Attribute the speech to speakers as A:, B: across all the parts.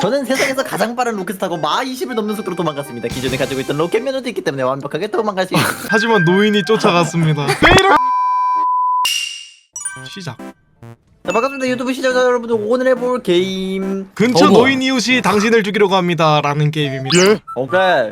A: 저는 세상에서 가장 빠른 로켓을 타고 마 20을 넘는 속도로 도망갔습니다. 기존에 가지고 있던 로켓 면허도 있기 때문에 완벽하게 도망갈 수 있습니다.
B: 하지만 노인이 쫓아갔습니다. 페이로 시작.
A: 자, 반갑습니다 유튜브 시청자 여러분들. 오늘 해볼 게임
B: 근처 노인 이웃이 당신을 죽이려고 합니다 라는 게임입니다.
C: 예?
A: 오케이.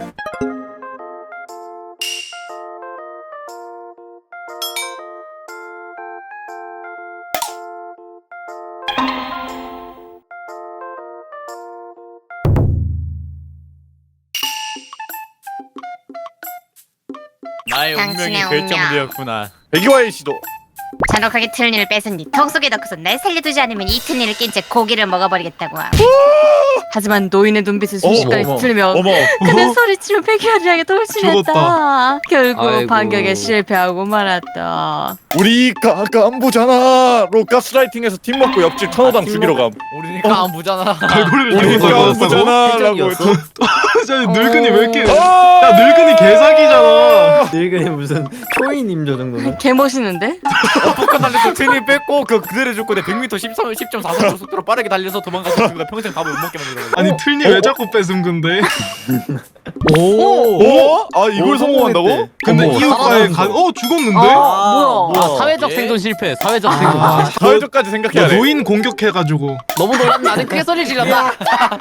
D: 나의
E: 당신의
D: 운명이
E: 운명.
D: 결정되었구나.
C: 백이와의 시도.
E: 잔혹하게 틀니를 뺏은 뒤 턱 속에 넣고서 날 살려두지 않으면 이 틀니를 낀 채 고기를 먹어버리겠다고 함. 하지만 노인의 눈빛을 순식간에
A: 어머,
E: 틀면
C: 어머.
E: 그는 소리치며 백현이에게 돌진했다.
B: 죽었다.
E: 결국
F: 아이고.
E: 반격에 실패하고 말았다.
C: 우리 안보잖아.로 가스라이팅해서 팀 먹고 옆집 천호당 죽이러 감.
D: 우리니까 안 보잖아.
B: 갈고리를
C: 우리
B: 들고 다녔다고?
C: 안보잖아.라고
A: 해적이었어?
B: 저 늙은이 왜 이렇게
C: 아!
B: 야 늙은이 개사기잖아.
A: 늙은이 무슨 초인임 저 정도는.
E: 개 멋있는데?
D: 폭탄 날려서 트윈이 뺐고 그대로 죽고 내 100m 10.4km 속도로 빠르게 달려서 도망가서 죽고 평생 밥을 못 먹게 만들어.
B: 아니 틀니 왜 자꾸 뺏음 근데?
C: 어? 아 이걸 성공한다고?
B: 근데
A: 어머,
B: 이웃과의
A: 살아남은 거.
B: 죽었는데?
E: 뭐야?
F: 사회적
D: 예?
F: 생존 실패. 사회적 생존.
B: 아,
C: 사회적까지 생각해야 돼.
B: 노인 공격해가지고
F: 너무 놀랐네. 나는 크게 소리 질렀다.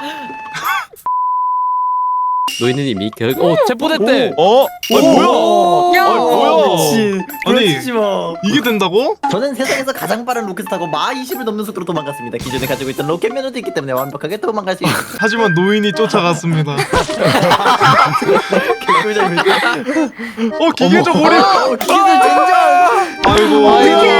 F: 노인님이 체포됐대.
C: 어? 뭐야?
E: 야!
C: 뭐야?
A: 미친.
B: 아니.
A: 부러지지 마.
B: 이게 된다고?
A: 저는 세상에서 가장 빠른 로켓을 타고 마 20을 넘는 속도로 도망갔습니다. 기존에 가지고 있던 로켓 면허도 있기 때문에 완벽하게 도망갈 수 있습니다.
B: 하지만 노인이 쫓아갔습니다.
A: 개꿀잼이다.
B: 기계적 오류.
A: 기술 젠장.
B: 아이고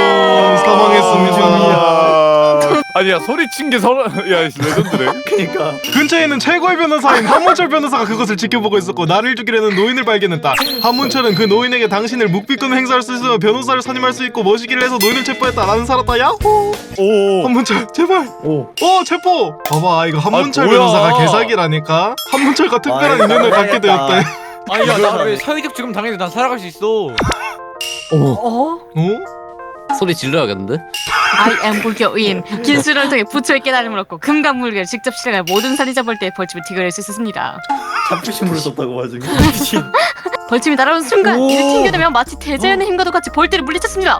B: 사망했습니다.
C: 아니야 소리친 게 서로 야 레전드네.
A: 그러니까.
B: 근처에 있는 최고의 변호사인 한문철 변호사가 그것을 지켜보고 있었고 나를 죽이려는 노인을 발견했다. 한문철은 그 노인에게 당신을 묵비권 행사할 수 있으며 변호사를 선임할 수 있고 모시기를 해서 노인을 체포했다. 나는 살았다. 야호.
C: 오.
B: 한문철 제발.
A: 오.
B: 체포. 봐봐 이거 한문철
C: 아, 뭐야.
B: 변호사가 개사기라니까. 한문철과 특별한
A: 아,
B: 인연을 갖게
A: 해야겠다.
B: 되었대.
D: 아니 야나왜 사회적 지금 당연히 난 살아갈 수 있어.
E: 어?
F: 소리 질러야겠는데?
E: I am 불교인. 긴수를 통해 부처의 깨달음을 얻고 금강 물결 직접 실행할 모든 살인자 벌떼의 벌침을 튕겨낼 수 있었습니다.
A: 자부심으로 썼다고 와중에. 미친.
E: 벌침이 날아오는 순간
A: 오.
E: 이를 튕겨내며 마치 대자연의 힘과도 같이 벌떼를 물리쳤습니다.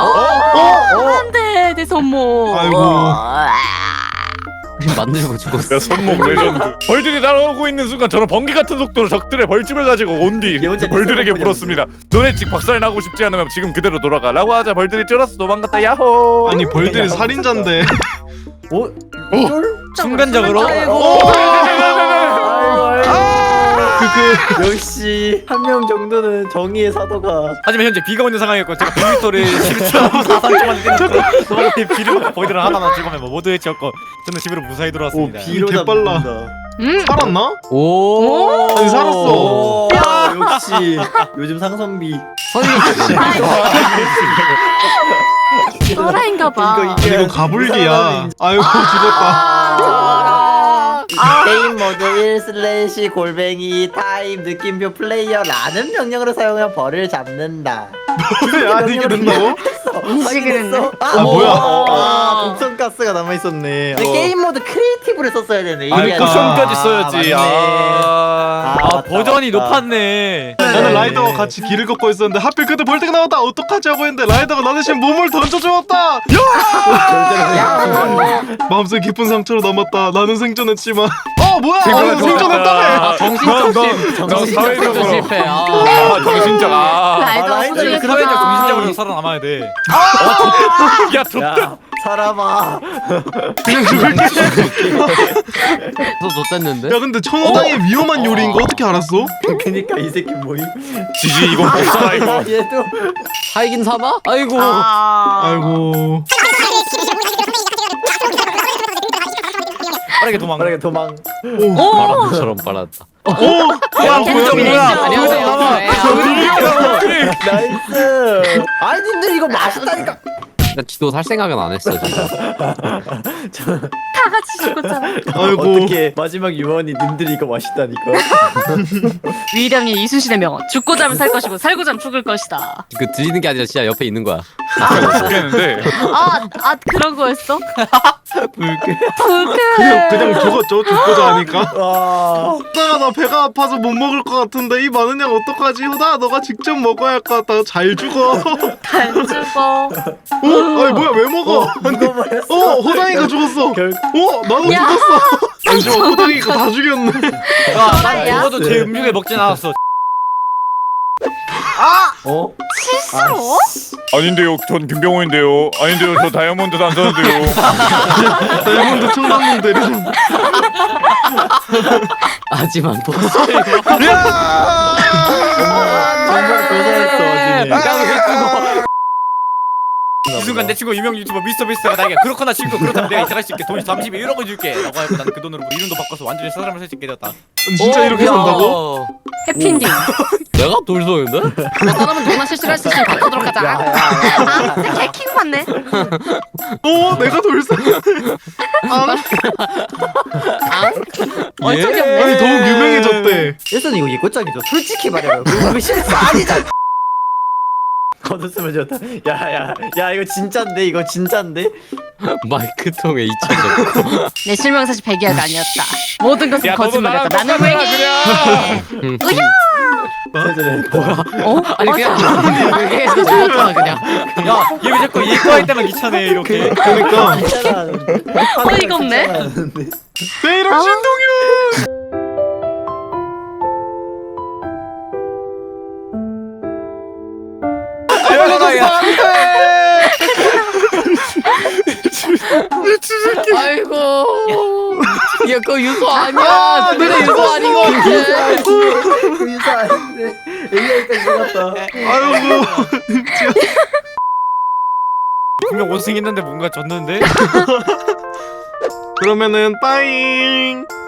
E: 안돼 내 손목.
B: 아이고.
F: 우리 만들고 죽었어.
C: 야 손목 레전드. 벌들이 날아오고 있는 순간 저는 번개 같은 속도로 적들의 벌집을 가지고 온 뒤
A: 예언자
C: 벌들에게
A: 뱃살
C: 물었습니다. 너네 집 박살나고 싶지 않으면 지금 그대로 돌아가라고 하자 벌들이 쫄아서 도망갔다. 야호.
B: 아니 벌들이 살인자인데.
A: 오?
D: 순간적으로.
E: 아이고.
A: 역시 한 명 정도는 정의의 사도가.
D: 하지만 현재 비가 오는 상황이었고 제가 100m를 11.43초만 뛰는 도망가서 비를 맞고 보이드를 하나만 죽으면 뭐 모두 해치웠고 저는 집으로 무사히
A: 오
D: 돌아왔습니다.
A: 비로
B: 개빨라.
A: 잡는다.
B: 살았나?
F: 오.
B: 아니 살았어.
A: 오, 역시 요즘 상선비.
E: 또라인가봐.
A: 이거
B: 이거 가불기야. 아이고 죽었다.
A: 게임 모드 1/ 골뱅이 타임 느낌표 플레이어라는 명령으로 사용하여 벌을 잡는다.
B: 그래 아니 이게 된다고?
E: 인식을 했네.
B: 아, 뭐야?
A: 독성 가스가 남아 있었네. 게임 모드 크리에이티브를 썼어야 되네.
B: 아니,
A: 이게
C: 쿠션까지
A: 아니라.
C: 써야지.
A: 맞네. 맞다,
D: 버전이
A: 맞다.
D: 높았네.
B: 나는 라이더와 같이 길을 걷고 있었는데 하필 그때 벌떼가 나왔다. 어떡하지 하고 했는데 라이더가 나 대신 몸을 던져주었다. 마음속 깊은 상처로 남았다. 나는 생존했지만 뭐야 나는 생존했다며.
F: 정신적
C: 너 사회적으로
F: 실패.
C: 정신적
E: 라이더
A: 라이더
E: 소중히
A: 이거
D: 사회적
E: 크다.
D: 정신적으로 살아남아야 돼.
C: 야 덥다.
A: 야, 살아봐.
B: 그냥 죽을게.
F: 또 줬댔는데?
B: 야 근데 천호당의 위험한 요리인 거 어떻게 알았어?
A: 그니까 이 새끼 뭐임?
C: 지지 이건 못 살아 이거.
A: 얘도
F: 살긴 사나? 아이고.
B: 아이고.
D: 빠르게 도망가.
A: 빠르게 도망.
F: 바람처럼 빨았다.
B: 야
D: 뭐야?
E: 안녕하세요.
A: 나이스. 아니 님들 이거 맛있다니까.
F: 나 지도 살 생각은 안 했어 진짜.
E: 다 같이 죽었잖아.
B: 아이고.
A: 어떻게 마지막 유언이 님들이 이거 맛있다니까.
E: 위령이 이순신의 명언. 죽고자 하면 살 것이고 살고자 하면 죽을 것이다.
F: 그 들리는 게 아니라 진짜 옆에 있는 거야.
C: 죽겠는데.
E: 아 그런 거였어?
A: 불쾌.
B: 그냥 죽었죠. 죽고자 하니까.
A: 와.
B: 호다가 나 배가 아파서 못 먹을 것 같은데 이 많은 양 어떡하지? 호다 너가 직접 먹어야 할 것 같다. 잘 죽어.
E: 잘 죽어.
B: 아니 뭐야 왜 먹어?
A: 누가 말했어?
B: 호당이가 죽었어.
A: 결...
B: 나도
E: 야.
B: 죽었어. 잠시만 호당이가 다 죽였네.
D: 난 죽어도 제 음식에 먹진 않았어.
A: 어?
E: 실수로?
C: 아닌데요. 전 김병호인데요. 아닌데요. 저 다이아몬드 단서인데요.
B: 다이아몬드 청담동 대리점.
F: 하지만 보스.
A: 정말 고생했어.
D: 이 순간 내 친구 유명 유튜버 미스터 비스트가 나에게 그렇거나 친구 그렇다면 내가 이사갈 수 있게 돈 31억을 줄게 라고 하고 나는 그 돈으로 이름도 바꿔서 완전히 사람을 살 수 있게 되었다.
B: 진짜 이렇게 산다고?
E: 해피엔딩.
F: 내가 돌쏘는데? 뭐 사람은 누구나 실수를 할 수 있으니 바꾸도록 하자.
E: 아 진짜 개킹 받네.
B: 내가 돌쇠.
E: 어처구니
B: 아니
E: 없네.
B: 더욱 유명해졌대.
A: 일단 이거 예고장이죠. 솔직히 말해요. 그거 실수 아니잖아. 거뒀으면 좋다. 야 이거 진짠데 이거 진짠데.
F: 마이크 통에 잊혀졌고.
E: 내 실명사실 배기야가 아니었다. 모든 것은
C: 야, 너도
E: 거짓말이었다.
C: 나랑
E: 나는
C: 똑같아,
E: 왜게?
F: 아니 그냥 그게 좋았잖아 그냥.
D: 야얘 왜 자꾸 예과할 때만 귀찮아 이렇게.
B: 그러니까
E: 어이가 없네.
B: 내 이름 신동윤.
F: 아이고. 야 그거 유소 아니야. 너네 유소 아닌 거 같아.
A: 그 인사 아닌데 AI까지 죽었다.
B: 아이고.
D: 분명 못생겼는데 뭔가 졌는데?
B: 그러면은 빠잉.